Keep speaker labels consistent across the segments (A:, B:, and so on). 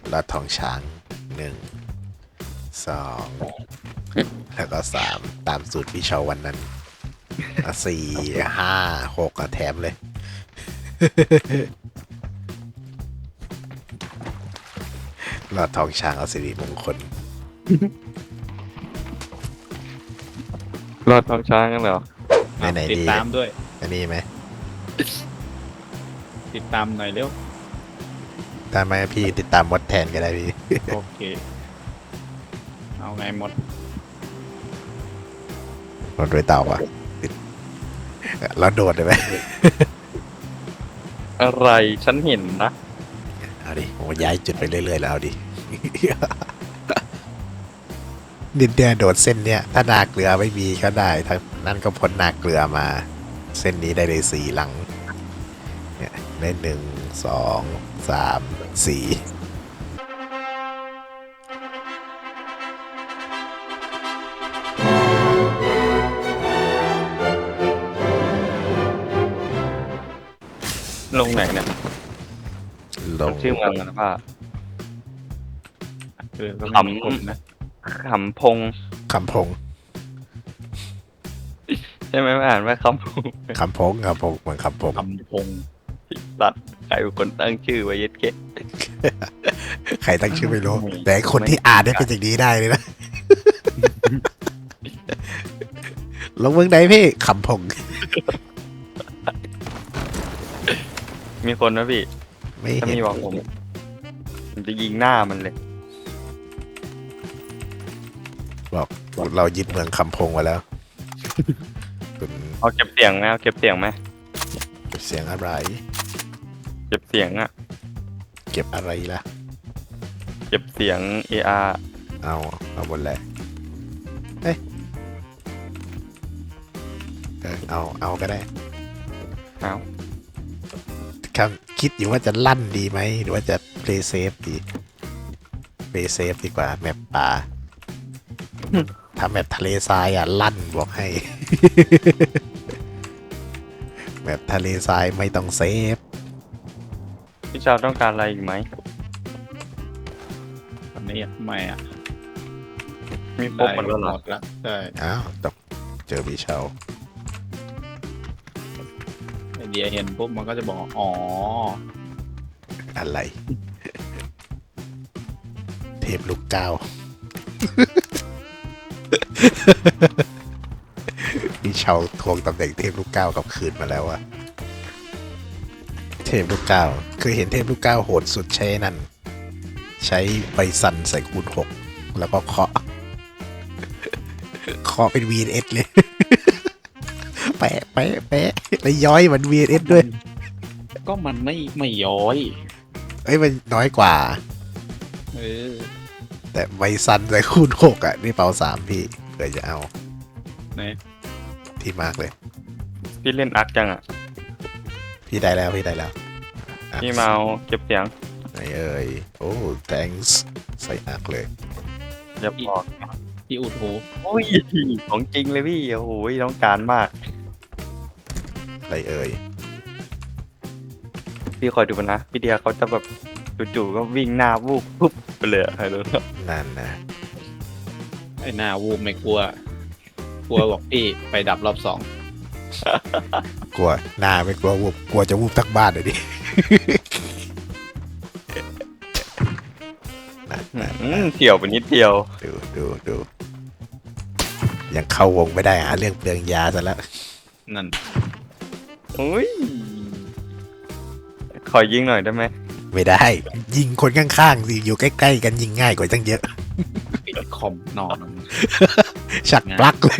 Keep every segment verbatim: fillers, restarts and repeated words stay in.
A: ลอดท้องช้างหนึ่งสองแล้วก็สามตามสูตรพี่เชาวันนั้นอ่ะสี่ห้าหกอ่ะแถมเลย ลอดท้องช้างเอาสิริมงคล
B: รอดท้องช้างกันเหรอ
A: ไหนไหน
C: ติด
A: ดี
C: ตามด้วย
A: อันนี้ไหม
C: ติดตามหน่อยเร็ว
A: ถ้าไม่พี่ติดตามมดแทนก็ได้พี่
C: โอเค เอาไงหมด
A: มดด้วยเต่าอ่ะติดแล้วโดดได้ไหม
B: อะไรฉันเห็นนะ
A: เอาดิผมย้ายจุดไปเรื่อยๆแล้วเอาดิ ดินเดียโดดเส้นเนี้ยถ้านาเกลือไม่มีก็ได้ถ้านั่นก็พ้นนาเกลือมา เส้นนี้ได้เลยสี่หลังเนี่ยได้หนึ่งสองสามสี่
B: ลงไหนเนี่ย
A: ลง
B: ชื่อเมืองมันว่า
C: เออก็ไม่มีคนนะ
B: ขำพง
A: คำพง
B: ใช่ไหมอ่านว่าคำพง
A: คำพงคำพงเหมือนคำพง
C: คำพง
B: สัตว์ใครเป็นคนตั้งชื่อไว้เย็ดเกะ
A: ใครตั้งชื่อไม่รู้ แต่คนที่อ่านได้เป็นอย่างนี้ได้เลยนะ ลงเมืองไหนพี่คำพง
B: มีคนนะพี่
A: ไม่
B: ถ้า
A: เห็น
B: มีบอกผมผมจะยิงหน้ามันเลย
A: บอกเรายึดเมืองคำพงมาแล้วคุณ
B: เอาเก็บเสียงไหมเอาเก็บเสียงไหม
A: เก็บเสียงอะไร
B: เก็บเสียงอะ
A: เก็บอะไรล่ะ
B: เก็บเสียง เอ อาร์
A: เอาเอาหมดแหละเอ้ยเออเอาเอาก็ได้
B: เอา
A: คำคิดอยู่ว่าจะลั่นดีไหมหรือว่าจะ play safe ดี play safe ดีกว่าแมปป่าถ้าแมปทะเลทรายอ่ะลั่นบอกให้ แมปทะเลทรายไม่ต้องเซฟ
B: พี่ชาวต้องการอะไรอีกไหม
C: วันนี้ไม่อ่ะ
B: มีครบหมดแล้วเหร
C: ห
B: อ
C: มดแล้วใช่
A: อ้าวตกเจอพี่เชา
C: ไอเดียเห็นปุ๊บมันก็จะบอกอ๋อ
A: อะไร เทพลูกเก้า พี่เชาทวงตำแหน่งเทพลูกเก้ากลับคืนมาแล้วอะเทพลูกเก้าเคยเห็นเทพลูกเก้าโหดสุดใช้นั่น ใช้ใบสันใส่คูณหกแล้วก็เคาะ เคาะเป็น วี เอ็น เอส เลย แปะแปะแปะแล้วย้อยเหมือน วี เอ็น เอส ด้วย
C: ก็มันไม่ไม่ย้อย
A: เอ้ยมันน้อยกว่า
C: เออ
A: แต่ใบซันใส่คูณหกอ่ะ นี่เปาสามพี่เผื่อจะเอา
C: ไหน
A: ที่มากเลย
B: พี่เล่นอักจังอ่ะ
A: พี่ได้แล้วพี่ได้แล้วอ่ะ
B: พี่มาเอาเก็บเสียง
A: ไหนเอ่ยโอ้ thanks ใส่อักเลย
B: อย่าบอก
C: พี่อุดหู
B: โอ้ยของจริงเลยพี่โอ้โหต้องการมาก
A: อะไรเอ่ย
B: พี่คอยดูนะ พี่เดียเขาจะแบบจู่ๆก็วิ่งหน้าวูบปุ๊บไปเลยอะใครรู้
A: นั่นนะ
C: ไอหน้าวูบไม่กลัว กลัวบอกพี่ไปดับรอบสอง
A: กลัวหน้าไม่กลัววูบกลัวจะวูบทั้งบ้านเลยดิ นั่นนั่น
B: อืมเที่ยวไปนิดเดียว
A: ดูดูดูยังเข้าวงไม่ได้หาเรื่องเปลืองยาซะแล้ว
C: นั่น
B: อุ้ยขอยิงหน่อยได้ไหม
A: ไม่ได้ ยิงคนข้างๆสิอยู่ใกล้ๆกันยิงง่ายกว่าตั้งเยอะ
C: ปิดคอมนอน
A: ชักปลั๊กเลย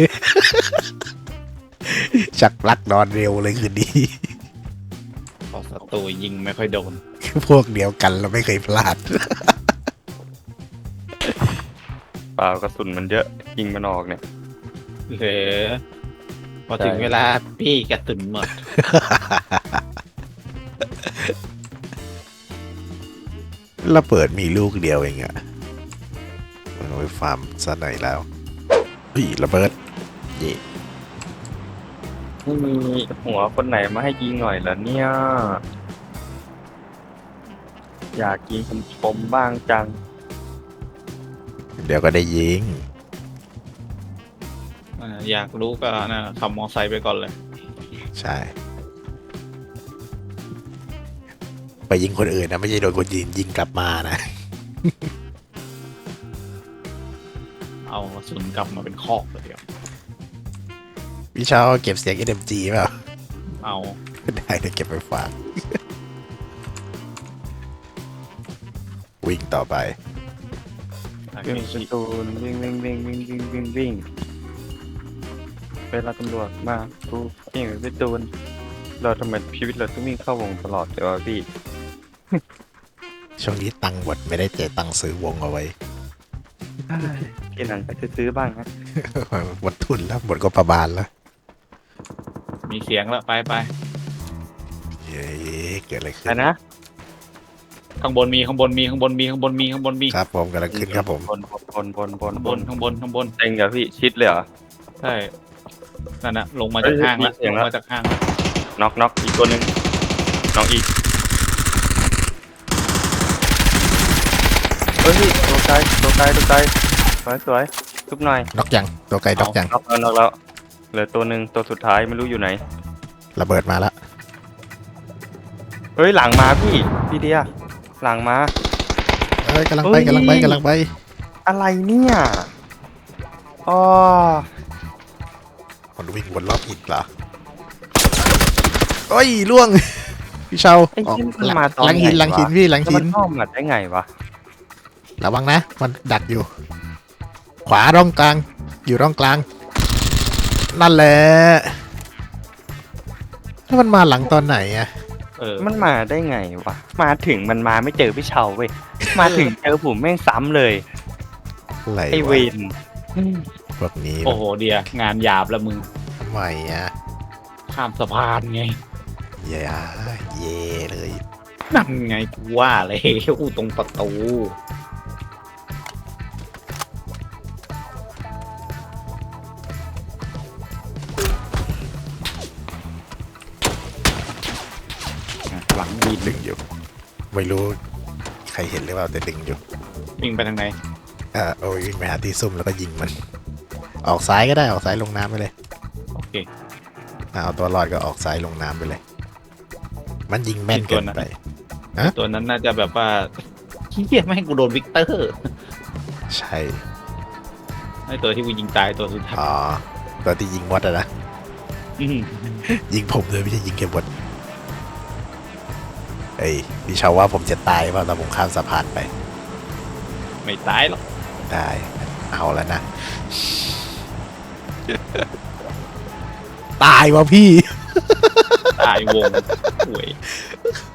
A: ชักปลั๊กนอนเร็วเลยคืนนี้
C: พอศัตรูยิงไม่ค่อยโดน
A: พวกเดียวกันเราไม่เคยพลาด
B: เปล่ากระสุนมันเยอะยิงมันออกเนี่ย
C: เหลือพอถึงเวลาพี่กระตุนหมด
A: แล้วเปิดมีลูกเดียวเองอะมันเอาไปฟาร์มซะหน่อยแล้วพี่ระเบิดเย่
B: ไม่มีหัวคนไหนมาให้ยิงหน่อยเหรอเนี่ยอยากยิงคมๆบ้างจัง
A: เดี๋ยวก็ได้ยิง
C: อ่าอยากรู้ก็นะขับมอไซค์ไปก่อนเลย
A: ใช่ ไปยิงคนอื่นนะไม่ใช่โดนคนยิงยิงกลับมานะ
C: เอากระสุนกลับมาเป็นคอกเลยเดียว
A: พี่เช้าเก็บเสียง เอ็ม จี เปล่า
C: เอา
A: ได้เดี๋ยวเก็บไปฝาก วิ่งต่อไป
B: วิ่งประตูนวิ่งวิ่งวิ่งวิ่งวิ่งวิ่งวิ่งเวลาตำรวจมากูวิ่งไปประตูนเราทำไมชีวิตเราต้องวิ่งเข้าวงตลอดเลยวะพี่
A: ช่วงนี้ตังค์หมดไม่ได้เจตังค์ซื้อวงเอาไว้
B: ทีหลังก็จะซื้อบ้างนะ
A: หมดทุนแล้วหมดก็ประบาลแล้ว
C: มีเสียงแล้วไปไป
A: เย้เกิดอะไรขึ้
B: แต่
A: น
B: นะ
C: ข้างบนมีข้างบนมีข้างบนมีข้างบนมีข้างบนมี
A: ครับผมกำลังขึ้นครับผม
B: บนบนบนบน
C: ข้าง
B: บบ น
C: นข้างบนข้างบน
B: เต็งเหรอพี่ชิดเลยเหรอ
C: ใช่นั่นนะลงมาจากห้างแล้ว
B: เฮ้ยมีเสีย
C: ล
B: ง
C: ง
B: แล้ว
C: มาจากห้างแล้ว
B: น็อกน็อกอีกตัวหนึ่งน็อกอีกเฮ้ยตัวไกลตัวไกลตัวไกลสวยสวยทุบหน่อย
A: น็อกยังตัวไกลน็อกยัง
B: น็อกแล้วน็อกแล้วเหลือตัวหนึ่งตัวสุดท้ายไม่รู้อยู่ไหน
A: ระเบิดมาแล้ว
B: เฮ้ยหลังมาพี่พี่เดียหลังมา
A: เอ้ยกำลังไป
B: เฮ้ย
A: กำลังไปกำลังไป
B: อะไรเนี่ยอ๋อ
A: คนวิ่งวนรอบอีกเหรอโอ้ยล่วง พี่เชา
B: ไอ้
A: ออก
B: ที่มันมาตอน
A: หลังหินหลังหินพี่หลัง
B: แล้ว
A: หิ
B: มัน นเข้ามาได้ไงวะ
A: ระวังนะ มันดักอยู่ ขวาร่องกลาง อยู่ร่องกลาง นั่นแหละแล้วมันมาหลังตอนไหนอะ
C: เออ
B: มันมาได้ไงวะมาถึงมันมาไม่เจอพี่เชาเว้ยมาถึงเจอผมแม่งซ้ำเลย
A: อะไร
B: ไอเว
A: วะ
B: น
A: พวกนี้
C: โอ้โหเดียงานหยาบแล้วมึง
A: ทำไมอะ
C: ข้ามสะพานไง
A: เย่เย่เลย
C: นั่นไงกูว่าเลยอู้ตรงประตูอ่ะหลังวีน
A: ดึงอยู่ ไม่รู้ใครเห็นหรือเปล่าแต่ดึงอยู่
C: วิ่งไปทางไหน
A: เออโอ้ยวิ่งไปหาที่ซุ่มแล้วก็ยิงมัน ออกซ้ายก็ได้ออกซ้ายลงน้ำไปเลย
C: โอเค
A: อ่ะเอาตัวรอดก็ออกซ้ายลงน้ำไปเลย มันยิงแม่นเกินไป
C: ตัวนั้นน่าจะแบบว่าเฮียไม่ให้กูโดนวิกเตอร์
A: ใช่
C: ไอตัวที่กูยิงตายตัวสุดท้าย
A: อ๋อตัวที่ยิงมดอะนะ
C: อืม
A: ยิงผมเลยไม่ใช่ยิงแค่มดเอ้ยพี่เชาว่าผมจะตายเปล่าตอนผมข้ามสะพานไป
C: ไม่ตายหรอก
A: ได้ เอาแล้วนะ ตายวะพี่
C: ตายวงหวย